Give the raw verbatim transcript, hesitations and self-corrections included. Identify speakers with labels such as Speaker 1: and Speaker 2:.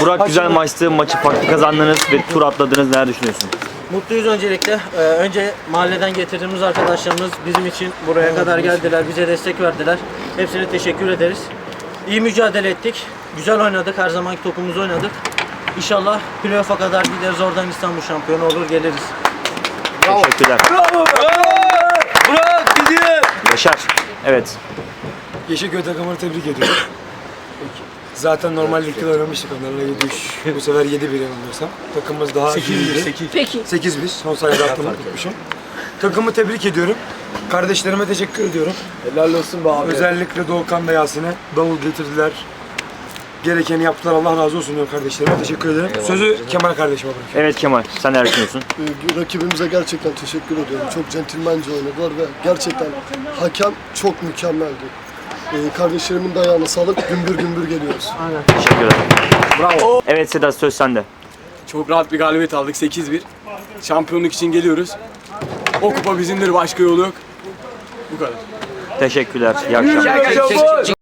Speaker 1: Burak güzel maçtı. Maçı farklı kazandınız ve tur atladınız. Neler düşünüyorsun?
Speaker 2: Mutluyuz öncelikle. Ee, önce mahalleden getirdiğimiz arkadaşlarımız bizim için buraya kadar geldiler, bize destek verdiler. Hepsine teşekkür ederiz. İyi mücadele ettik. Güzel oynadık, her zamanki topumuzu oynadık. İnşallah playoff'a kadar gideriz, oradan İstanbul şampiyonu olur, geliriz.
Speaker 1: Bravo. Teşekkürler.
Speaker 3: Bravo! Burak gidiyor!
Speaker 1: Yaşar. Evet.
Speaker 4: Yeşilköy takımını tebrik ediyorum. Zaten normal ligde oynamıştık onlarla yedi üç. Bu sefer yedi bir yanılmıyorsam. Takımımız daha iyiydi.
Speaker 5: Peki.
Speaker 4: sekiz bir. Son sayıda aklımı tutmuşum. Takımı tebrik ediyorum. Kardeşlerime teşekkür ediyorum.
Speaker 3: Helal olsun be abi.
Speaker 4: Özellikle Doğukan ve Yasin'e davul getirdiler. Gerekeni yaptılar. Allah razı olsun diyorum kardeşlerime. Teşekkür ederim. Sözü Kemal kardeşime bırakıyorum.
Speaker 1: Evet Kemal. Sen neler düşünüyorsun?
Speaker 6: Ee, Rakibimize gerçekten teşekkür ediyorum. Çok centilmence oynadılar ve gerçekten hakem çok mükemmeldi. Ee, kardeşlerimin dayağına sağlık. Gümbür gümbür geliyoruz.
Speaker 1: Teşekkür ederim. Bravo. Evet Sedat, söz sende.
Speaker 3: Çok rahat bir galibiyet aldık sekiz bir. Şampiyonluk için geliyoruz. O kupa bizimdir, başka yolu yok. Bu kadar.
Speaker 1: Teşekkürler. İyi akşamlar.